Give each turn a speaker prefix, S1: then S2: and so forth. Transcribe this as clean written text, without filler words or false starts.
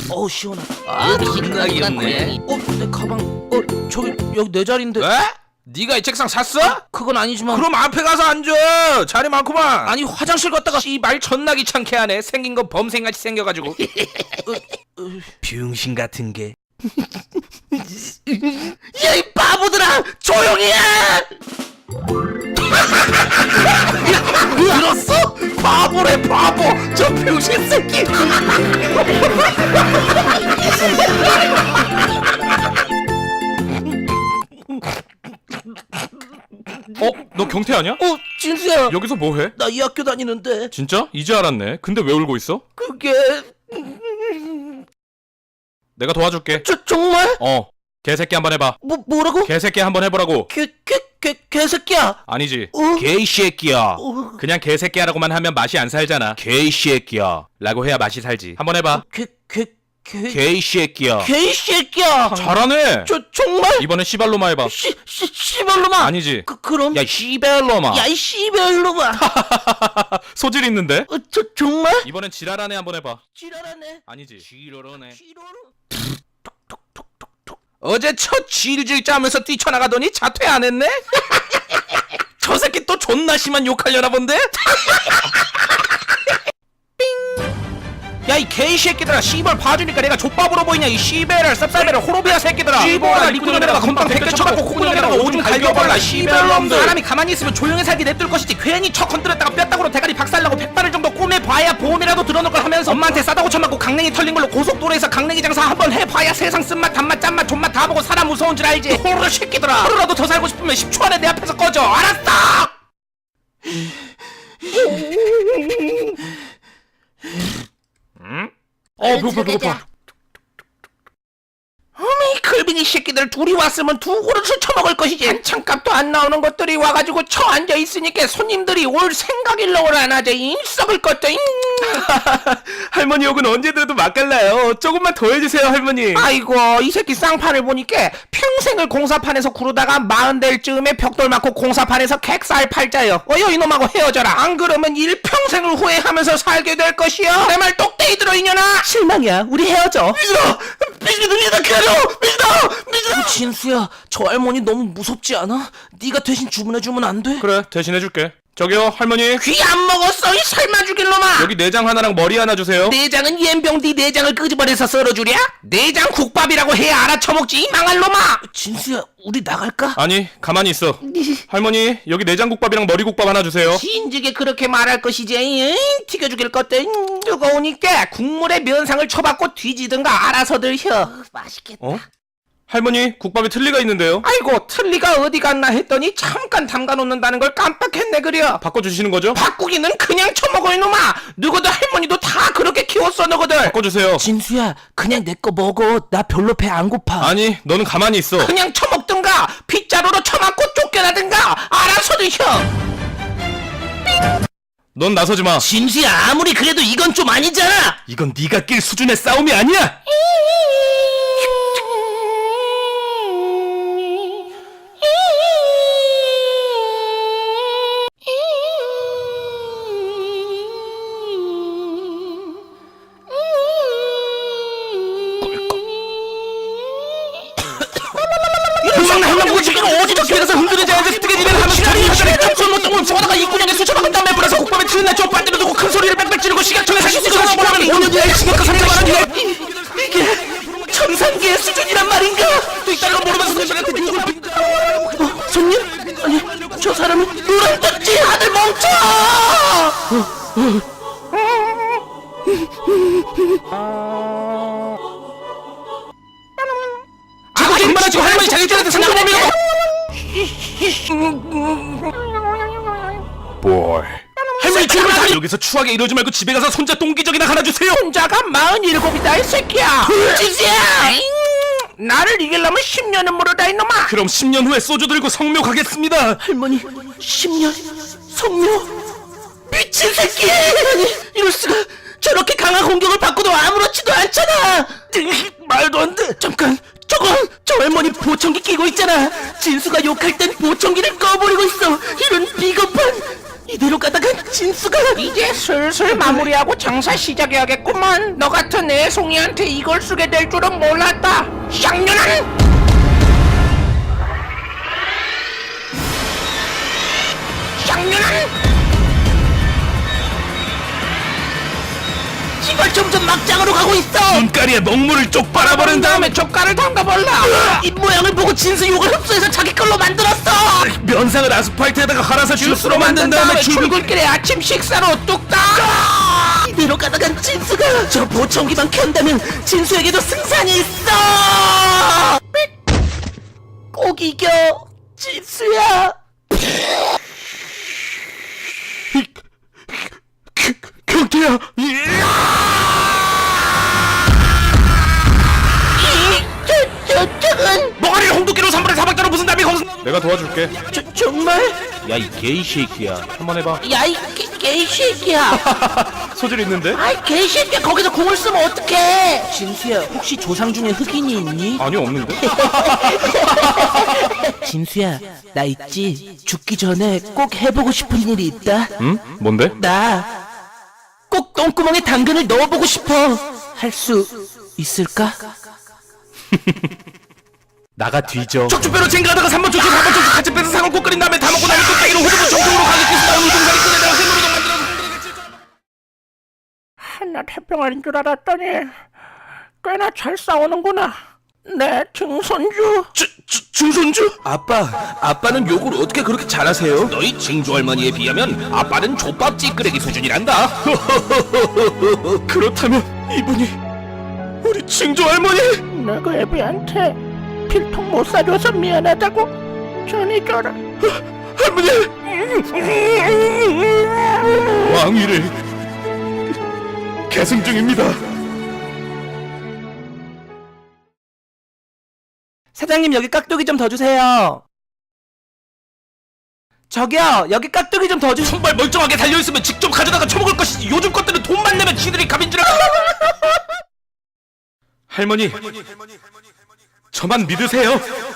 S1: 시원하다.
S2: 신나게 없네.
S1: 내 가방. 저기 여기 내 자리인데.
S2: 왜? 네가 이 책상 샀어?
S1: 그건 아니지만.
S2: 그럼 앞에 가서 앉아. 자리 많구만.
S1: 아니 화장실 갔다가.
S2: 씨발 존나 귀찮게 하네. 생긴 건 범생같이 생겨가지고.
S1: 병신 같은 게. 야 이 바보들아 조용히 해. 들었어? 바보래 바보. 저 병신 새끼.
S3: 너 경태 아니야?
S1: 진수야.
S3: 여기서 뭐해?
S1: 나 이 학교 다니는데.
S3: 진짜? 이제 알았네. 근데 왜 울고 있어?
S1: 그게
S3: 내가 도와줄게.
S1: 정말?
S3: 개새끼 한번 해봐.
S1: 뭐라고?
S3: 개새끼 한번 해보라고.
S1: 개새끼야.
S3: 아니지.
S2: 개새끼야.
S3: 그냥 개새끼 하라고만 하면 맛이 안 살잖아.
S2: 개새끼야.
S3: 라고 해야 맛이 살지. 한번 해봐.
S2: 개새끼야.
S1: 개새끼야.
S3: 잘하네.
S1: 정말?
S3: 이번엔 씨발로마 해봐.
S1: 씨발로마.
S3: 아니지.
S1: 그럼.
S2: 야 씨발로마.
S1: 야 이 씨발로마.
S3: 소질 있는데?
S1: 정말?
S3: 이번엔 지랄하네 한번 해봐.
S1: 지랄하네.
S3: 아니지. 지랄하네.
S2: 어제 첫 질질 짜면서 뛰쳐나가더니 자퇴 안 했네? 저 새끼 또 존나 심한 욕하려나 본데? 야 이 개새끼들아 씨발 봐주니까 내가 족밥으로 보이냐 이 씨발을 쌉싸배를 호로비아 새끼들아 씨발아 리꾸정에다가 건빵 100개 쳐갖고 콧구멍에다가 오줌 갈겨버라 씨발놈들 사람이 가만히 있으면 조용히 살게 냅둘 것이지 괜히 척 건드렸다가 뼈다구로 대가리 박살나고 100발을 정도 꼬매봐야 보험이라도 들어놓을 걸 하면서 엄마한테 싸다고 쳐맞고 강냉이 털린 걸로 고속도로에서 강냉이 장사 한번 해봐야 세상 쓴맛 단맛 짠맛 존맛 다 보고 사람 무서운 줄 알지 호로 새끼들아 하루라도 더 살고 싶으면 10초 안에 내 앞에서 꺼져 알았어?
S3: 배고파.
S2: 어미 글빙이 새끼들 둘이 왔으면 두 그릇을 처먹을 것이지 반찬값도 안 나오는 것들이 와가지고 쳐 앉아있으니까 손님들이 올 생각일러를 안 하지 썩을 것도
S3: 할머니 욕은 언제 들어도 맛깔나요. 조금만 더 해주세요 할머니.
S2: 아이고 이 새끼 쌍판을 보니까 평생을 공사판에서 구르다가 40될 즈음에 벽돌 맞고 공사판에서 객살 팔자요 어여 이놈하고 헤어져라 안 그러면 일평생을 후회하면서 살게 될 것이여 내 말 똑대이 들어 이년아
S1: 실망이야. 우리 헤어져.
S2: 미진아 기다려 미진아
S1: 진수야, 저 할머니 너무 무섭지 않아? 네가 대신 주문해주면 안 돼?
S3: 그래 대신해줄게. 저기요 할머니.
S2: 귀 안 먹었어 이 살만 죽일 놈아
S3: 여기 내장 하나랑 머리 하나 주세요.
S2: 내장은 옌병 네 내장을 끄집어내서 썰어주랴? 내장 국밥이라고 해야 알아쳐먹지 이 망할 놈아
S1: 진수야, 우리 나갈까?
S3: 아니 가만히 있어. 할머니 여기 내장국밥이랑 머리국밥 하나 주세요.
S2: 진즉에 그렇게 말할 것이지 튀겨 죽일 것들 뜨거우니까 국물에 면상을 쳐박고 뒤지든가 알아서들 혀 맛있겠다
S3: 할머니 국밥에 틀니가 있는데요.
S2: 아이고 틀니가 어디 갔나 했더니 잠깐 담가놓는다는 걸 깜빡했네 그려
S3: 바꿔주시는 거죠?
S2: 바꾸기는 그냥 처먹어 이놈아 누구도 할머니도 다 그렇게 키웠어 너거들
S3: 바꿔주세요.
S1: 진수야, 그냥 내 거 먹어. 나 별로 배 안 고파.
S3: 아니 너는 가만히 있어.
S2: 그냥 처먹든가 빗자루로 처맞고 쫓겨나든가 알아서들 혀
S3: 넌 나서지 마.
S1: 진수야, 아무리 그래도 이건 좀 아니잖아.
S3: 이건 네가 낄 수준의 싸움이 아니야.
S2: 흥망나흥망 지금 어디서 길에서 흔들리지 않아서 뜨개질을 하면서 자리에 kap술 못똥을 집어다가 이구녕에 수첩을 담배 불어서 국밥에 트는 쪽 반대로 두고 큰 소리를 빽빽 지르고 시각청에 사실 수정을 보라면 5년 뒤에 시각과 산행을
S1: 이게 천상계의 수준이란 말인가?
S2: 또 있다는 걸 모르면서 손님한테 욕을
S1: 손님? 아니, 저 사람은 누런 떴지 아들 멈춰!
S2: 얼마나 지금 할머니 자기들한테 상처내면
S3: 보이.
S2: 할머니 죽으면 다
S3: 여기서 추하게 이러지 말고 집에 가서 손자 똥기저귀나 하나 주세요.
S2: 혼자가 47이다 이 새끼야 진수야 나를 이기려면 10년은 물어다 이놈아
S3: 그럼 10년 후에 소주 들고 성묘 가겠습니다.
S1: 할머니, 10년 성묘? 미친 새끼! 이럴 수가. 저렇게 강한 공격을 받고도 아무렇지도 않잖아. 말도 안 돼. 잠깐, 저 할머니 보청기 끼고 있잖아. 진수가 욕할 땐 보청기를 꺼버리고 있어. 이런 비겁한. 이대로 가다간 진수가
S2: 이제 슬슬 마무리하고 장사 시작해야겠구만. 너 같은 애송이한테 이걸 쓰게 될 줄은 몰랐다. 쌍년아! 쌍년아!
S1: 시발 점점 막장으로 가고 있어.
S3: 눈가리에 먹물을 쪽 빨아버린 다음에
S2: 젓갈을 담가볼라.
S1: 입 모양을 보고 진수 욕을 흡수해서 자기 걸로 만들었어.
S3: 면상을 아스팔트에다가 갈아서 주스로 만든 다음에
S2: 출근길에 아침 식사로 뚝딱.
S1: 이대로 가다간 진수가 저 보청기만 켠다면 진수에게도 승산이 있어. 꼭 이겨 진수야.
S3: 경태야.
S1: 저쪽은
S2: 멍하리를 홍두깨로 3분의 4박자로 무슨 답이 거기서
S3: 내가 도와줄게.
S1: 정말?
S3: 야 이 게이 새끼야. 한번 해봐.
S1: 야이 개새끼야.
S3: 소질 있는데?
S1: 아이 개새끼야 거기서 공을 쓰면 어떡해. 진수야 혹시 조상 중에 흑인이 있니?
S3: 아니요 없는데.
S1: 진수야 나 있지? 죽기 전에 꼭 해보고 싶은 일이 있다.
S3: 응? 뭔데?
S1: 나 꼭 똥구멍에 당근을 넣어보고 싶어. 할 수 있을까?
S3: 나가 뒤져.
S2: 척추뼈로 쟁가다가 3번 척추 4번 척추 같이 빼서 상을 꼭 끓인 다음에 다 먹고 나면 뚝배기로 호두부 정통으로 가격해서 나온 우동사리 끓여다가 해물우동 만들어서 한낱 해병아리인 줄 알았더니 꽤나 잘 싸우는구나. 내 증손주.
S3: 증손주? 아빠는 욕을 어떻게 그렇게 잘하세요?
S2: 너희 증조 할머니에 비하면 아빠는 족밥 찌끄레기 수준이란다.
S3: 그렇다면 이분이 우리 증조 할머니?
S2: 내가 애비한테 필통 못 사줘서 미안하다고 전해줘라.
S3: 할머니! 왕위를 계승 중입니다.
S1: 사장님 여기 깍두기 좀 더 주세요. 저기요 여기 깍두기 좀 더 주세요.
S2: 손발 멀쩡하게 달려있으면 직접 가져다가 처먹을 것이지. 요즘 것들은 돈만 내면 지들이 갑인 줄 알아.
S3: 할머니, 저만 믿으세요.